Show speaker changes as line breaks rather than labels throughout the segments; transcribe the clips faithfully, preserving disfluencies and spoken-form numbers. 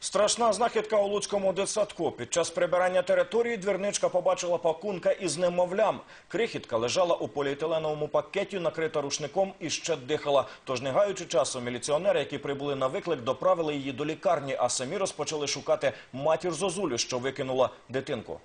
Страшна знахідка у Луцькому дитсадку. Під час прибирання території двірничка побачила пакунка із немовлям. Крихітка лежала у поліетиленовому пакеті, накрита рушником і ще дихала. Тож, не гаючи часу, міліціонери, які прибули на виклик, доправили її до лікарні, а самі розпочали шукати матір Зозулю, що викинула дитинку.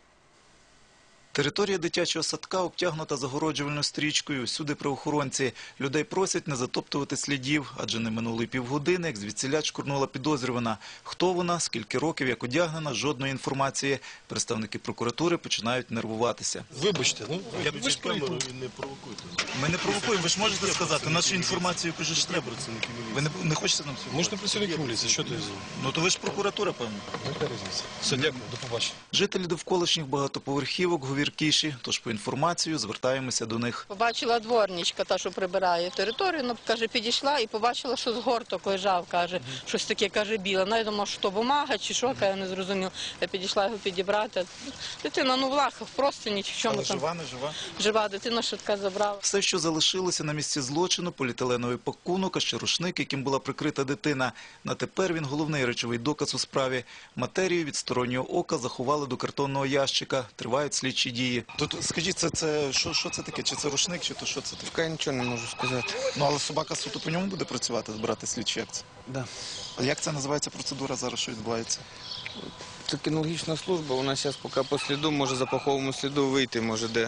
Територія дитячого садка обтягнута загороджувальною стрічкою. Всюди правоохоронці. Людей просять не затоптувати слідів, адже не минуло й півгодини, як звідсіля чкурнула підозрювана. Хто вона, скільки років, як одягнена, жодної інформації. Представники прокуратури починають нервуватися.
Вибачте, ну, ви ж камеру не провокуйте.
Ми не провокуємо, ви ж можете сказати, нашу інформацію, кажуть, що треба. Ви не, не хочете нам цього?
Ми ж не працівники міліції, що ти взяв?
Ну то ви ж прокуратура, певно.
Яка різниця? Все, дякую, до побачення.
Жителі довколишніх багатоповерхівок говіркіші, тож по інформацію звертаємося до них.
Побачила дворничка, та, що прибирає територію, ну, каже, підійшла і побачила, що згорток лежав, каже, щось таке, каже, біле. Ну, я думала, що то бумага чи що, я не зрозумів. Я підійшла його підібрати. Дитина, ну, в лахах, просто ні в чому
Але
там.
жива, не жива?
Жива, дитина швидка забрала.
Все, що залишилося на місці злочину, поліетиленовий пакунок, а ще рушник, яким була прикрита дитина. На тепер він головний речовий доказ у справі. Матерію від стороннього ока заховали до картонного ящика. Тривають слідчі дії. Тут, скажіть, це, це що, що це таке? Чи це рушник, чи то що це таке?
Я нічого не можу сказати.
Ну, але собака суто по ньому буде працювати, збирати слідчі, як це?
Да.
А як це називається процедура зараз, що відбувається?
Це кінологічна служба, вона зараз поки по сліду, може за паховому сліду вийти, може де.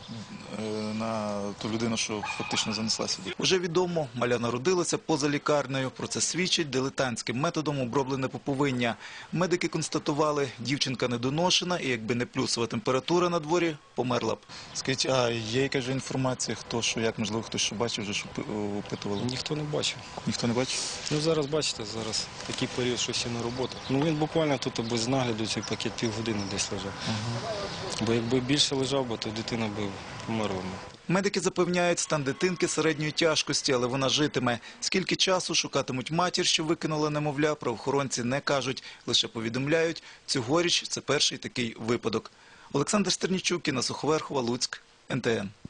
На ту людину, що фактично занесла сюди. Уже відомо, маля народилася поза лікарнею. Про це свідчить дилетантським методом оброблене пуповиння. Медики констатували, дівчинка недоношена і якби не плюсова температура на дворі, померла б. Скажіть, а є якась інформація, хто що, як, можливо, хтось що бачив, вже що опитували?
Ніхто не бачив.
Ніхто не бачив?
Ну зараз, бачите, зараз такий період, що всі на роботу. Ну він буквально тут без нагляду цей пакет півгодини десь лежав. Ага. Бо якби більше лежав, бо то дитина б померла.
Медики запевняють, стан дитинки середньої тяжкості, але вона житиме. Скільки часу шукатимуть матір, що викинула немовля, правоохоронці не кажуть, лише повідомляють, цьогоріч це перший такий випадок. Олександр Стернічук, Інна Суховерхова, Луцьк, ен те ен.